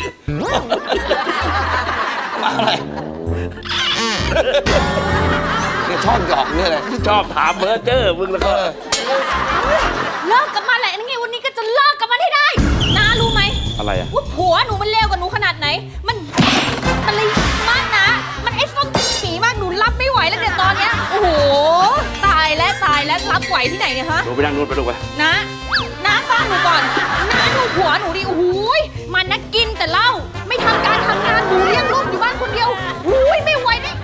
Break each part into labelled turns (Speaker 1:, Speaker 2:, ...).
Speaker 1: มาอะไรเนี่ยชอบหยอกเนี่ยเลยชอบถามเบอร์เจอร์มึงแล้วก็
Speaker 2: เลิกกับมันแหละนี่ไงวันนี้ก็จะเลิกกับมันให้ได้น้ารู้ไหม
Speaker 1: อะไรอะ
Speaker 2: ว่าผัวหนูมันเลวกว่าหนูขนาดไหนมันเลยมากนะมันไอ้ส้มสีมากหนูรับไม่ไหวแล้วเดี๋ยวตอนเนี้ยโอ้โหตายแล้วรับไหวที่ไหนเนี่ยฮะ
Speaker 1: หนูไปนั่งนู่นไปลูกไป
Speaker 2: น้าฟังหนูก่อนน้าดูผัวหนูดิโอ้โหมันนักกินแต่เหล้าไม่ทำการทำงานหนูเลี้ยงลูกอยู่บ้านคนเดียวโอ้ยไม่ไหวเลย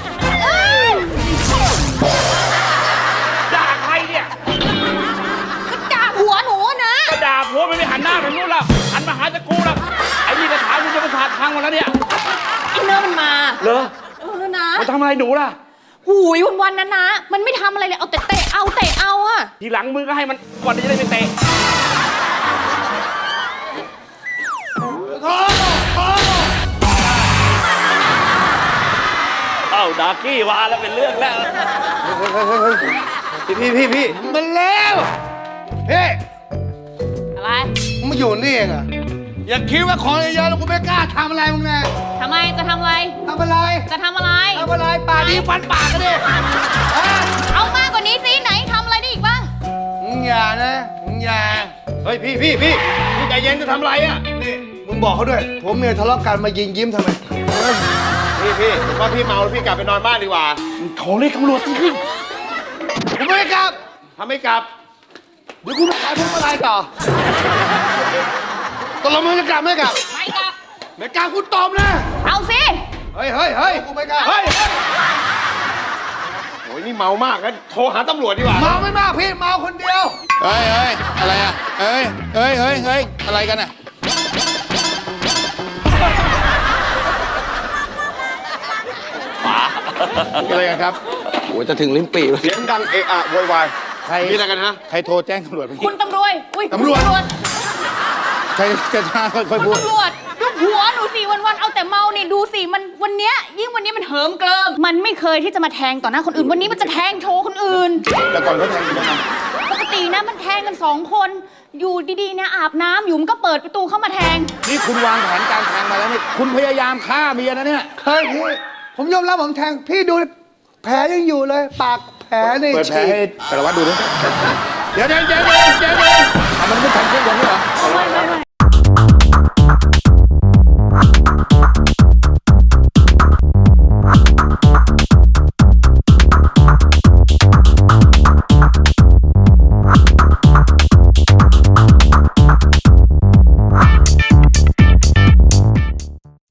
Speaker 1: ด่าใครเนี่ย
Speaker 2: ก็ด่าผัวหนูนะ
Speaker 1: ก็ด่าผัวไม่หันหน้าไปนู่นแล้วหันมาหาตะกูแล้วไอ้นี่กระถางมันจะประสาทพังหมดแล้วเนี่ย
Speaker 2: อินเนอร์มันมา
Speaker 1: เหรอ
Speaker 2: นะ
Speaker 1: มันทำอะไรหนูล่ะ
Speaker 2: หูยวันๆนะมันไม่ทำอะไรเลยเอาแต่เตะเอาอะ
Speaker 1: ทีหลังมือก็ให้มันก่อนที่จะได้ไปเตะเอ้าดากี้วาแล้วเป็นเรื่องแล้ว
Speaker 3: พี่มันแล้วเฮ้
Speaker 2: อะไร
Speaker 3: มึงมาอยู่นี่เองอะอย่าคิดว่าของเยอะๆแล้วกูไม่กล้าทำอะไรมึงแน่
Speaker 2: ทำไมจะทำอะไรจะทำอะไร
Speaker 3: ป่านี้ฟันปากกันดิ
Speaker 2: เอามากกว่านี้สิไหนทำอะไรได้อีกบ้าง
Speaker 3: มึงอย่านะมึงอย่าเฮ้ยพี่ใจเย็นจะทำอะไรอ่ะนี่มึงบอกเขาด้วยผมเมียทะเลาะกันมายิงยิ้มทำไมพี่ผมว่าพี่เมาแล้วพี่กลับไปนอนบ้านดีกว่า
Speaker 1: โทรเรียกตำรวจสิพี่
Speaker 3: ผมไม่กลับทำไม่กลับเดี๋ยวกูไปขายพวงมาลัยต่อตกลงมึงจะกลับไม่กลับ
Speaker 2: ไม่กลับ
Speaker 3: ไม่กลับกูตบนะ
Speaker 2: เอาสิ
Speaker 3: เฮ้ยกูไม่กล้าโอ้ยนี่เมามากงั้นโทรหาตำรวจดีกว่าเมาไม่มากพี่เมาคนเดียว
Speaker 4: เฮ้ยอะไรอ่ะเฮ้ยอะไรกันอ่ะอะไรกันครับ
Speaker 1: โอ้ยจะถึงลิ้นปี่
Speaker 3: เสียงดังเอะอะโวยวาย
Speaker 4: ใคร
Speaker 3: มีอะไรกันฮะ
Speaker 4: ใครโทรแจ้งตำรวจ
Speaker 2: คุณตำรวจ
Speaker 3: ตำรวจ
Speaker 4: ใครจะช้าค่อยพูด
Speaker 2: ตำรวจดูผัวหนูสิวันเอาแต่เมานี่ดูสิมันวันนี้มันเหิมเกลิมมันไม่เคยที่จะมาแทงต่อหน้าคนอื่นวันนี้มันจะแทงโชว์คนอื่น
Speaker 4: แต่ก่อนเขาแทงกันยังไง
Speaker 2: ปกตินะมันแทงกัน2 คนอยู่ดีๆนะอาบน้ำอยู่มันก็เปิดประตูเข้ามาแทง
Speaker 4: นี่คุณวางแผนการแทงมาแล้วนี่คุณพยายามฆ่าเมียนะเนี่ย
Speaker 3: เฮ้ยพี่ผมยอมรับผมแทงพี่ดูแผลยังอยู่เลยปากแผลนี่
Speaker 4: เปิดแผลให้สารวัตรดูดิเดี๋ยวมันไม่ทันเครื่องยนต์เหรอ
Speaker 2: ไม่